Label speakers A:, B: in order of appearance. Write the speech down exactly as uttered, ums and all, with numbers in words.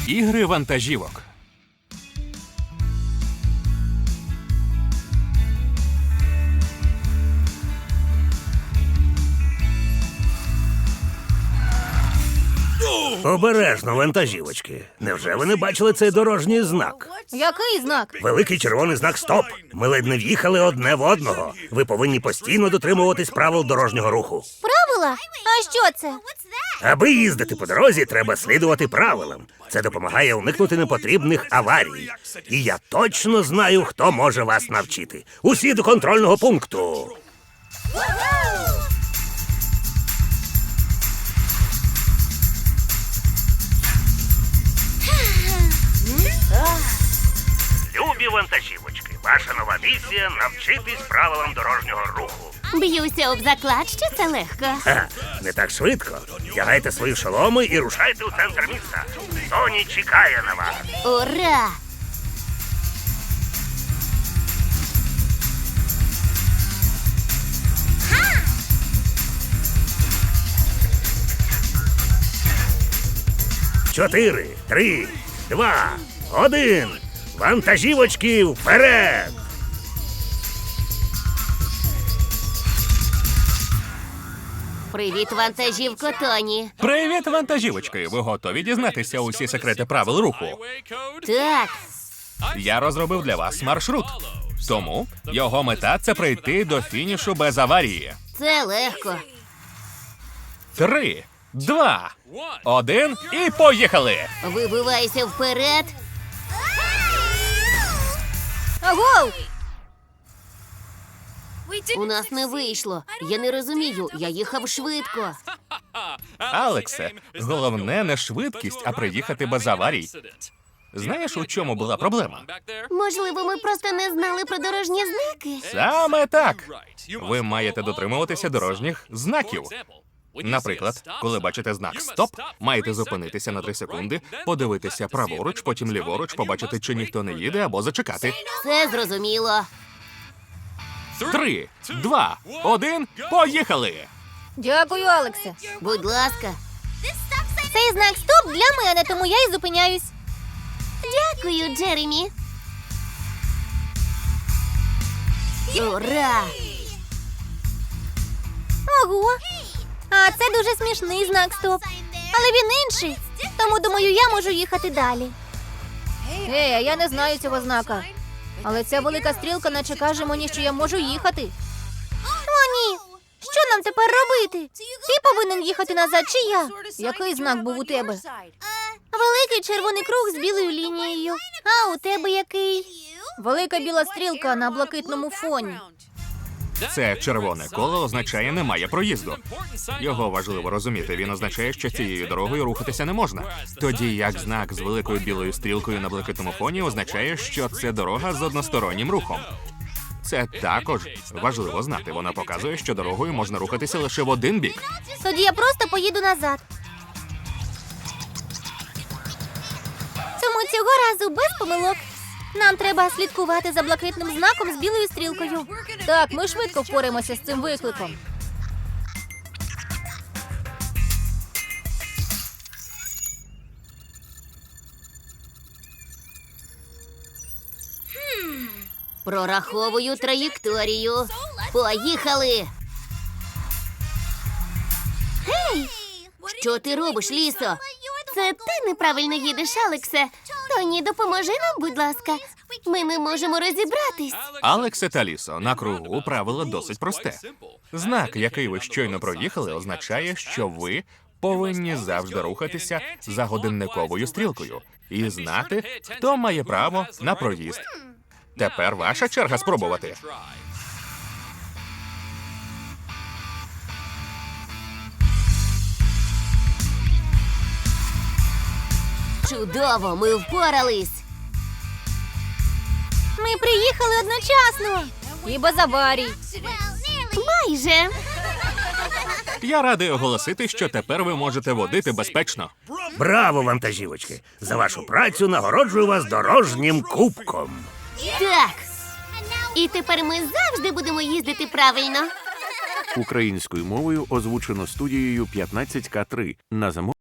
A: Ігри вантажівок.
B: Обережно, вантажівочки. Невже ви не бачили цей дорожній знак?
C: Який знак?
B: Великий червоний знак «Стоп». Ми ледь не в'їхали одне в одного. Ви повинні постійно дотримуватись правил дорожнього руху.
C: Правила? А що це?
B: Аби їздити по дорозі, треба слідувати правилам. Це допомагає уникнути непотрібних аварій. І я точно знаю, хто може вас навчити. Усі до контрольного пункту. Любі вантажівочки, ваша нова місія – навчитись правилам дорожнього руху.
D: Б'юся об заклад, що це легко.
B: Ха, не так швидко. Вдягайте свої шоломи і рушайте у центр міста. Тоні чекає на вас.
D: Ура!
B: Чотири, три, два, один. Вантажівочки вперед!
D: Привіт, вантажівко Тоні.
A: Привіт, вантажівочки! Ви готові дізнатися усі секрети правил руху?
D: Так,
A: Я розробив для вас маршрут. Тому його мета – це прийти до фінішу без аварії.
D: це легко.
A: Три, два, один і поїхали!
D: Вибивайся вперед.
C: Агоу!
D: У нас не вийшло. Я не розумію, я їхав швидко.
A: Алексе, головне не швидкість, а приїхати без аварій. Знаєш, у чому була проблема?
D: Можливо, ми просто не знали про дорожні знаки.
A: Саме так. Ви маєте дотримуватися дорожніх знаків. Наприклад, коли бачите знак «Стоп», маєте зупинитися на три секунди, подивитися праворуч, потім ліворуч, побачити, чи ніхто не їде, або зачекати.
D: Це зрозуміло.
A: Три, два, один, поїхали!
C: Дякую, Алексе.
D: Будь ласка.
C: Цей знак «Стоп» для мене, тому я і зупиняюсь.
D: Дякую, Джеремі. Ура!
C: Ого! А це дуже смішний знак «Стоп». Але він інший, тому, думаю, я можу їхати далі. Гей, а я не знаю цього знака. Але ця велика стрілка наче каже мені, що я можу їхати. О, ні! Що нам тепер робити? Ти повинен їхати назад, чи я? Який знак був у тебе? Великий червоний круг з білою лінією. А у тебе який? Велика біла стрілка на блакитному фоні.
A: Це червоне коло означає «немає проїзду». Його важливо розуміти. Він означає, що цією дорогою рухатися не можна. Тоді як знак з великою білою стрілкою на блакитному фоні означає, що це дорога з одностороннім рухом. Це також важливо знати. Вона показує, що дорогою можна рухатися лише в один бік.
C: Тоді я просто поїду назад. Тому цього разу без помилок. Нам треба слідкувати за блакитним знаком з білою стрілкою. Так, ми швидко впораємося з цим викликом.
D: Прораховую траєкторію. Поїхали! Гей! Що ти робиш, Лісо? Це ти неправильно їдеш, Алексе. Тоні, допоможи нам, будь ласка. Ми не можемо розібратись.
A: Алексе та Лісо, на кругу правило досить просте. Знак, який ви щойно проїхали, означає, що ви повинні завжди рухатися за годинниковою стрілкою і знати, хто має право на проїзд. Тепер ваша черга спробувати.
D: Чудово, ми впорались.
C: Ми приїхали одночасно. І без аварій.
D: Майже.
A: Я радий оголосити, що тепер ви можете водити безпечно.
B: Браво, вантажівочки! За вашу працю нагороджую вас дорожнім кубком.
D: Так. І тепер ми завжди будемо їздити правильно.
E: Українською мовою озвучено студією п'ятнадцять ка три на замовлення.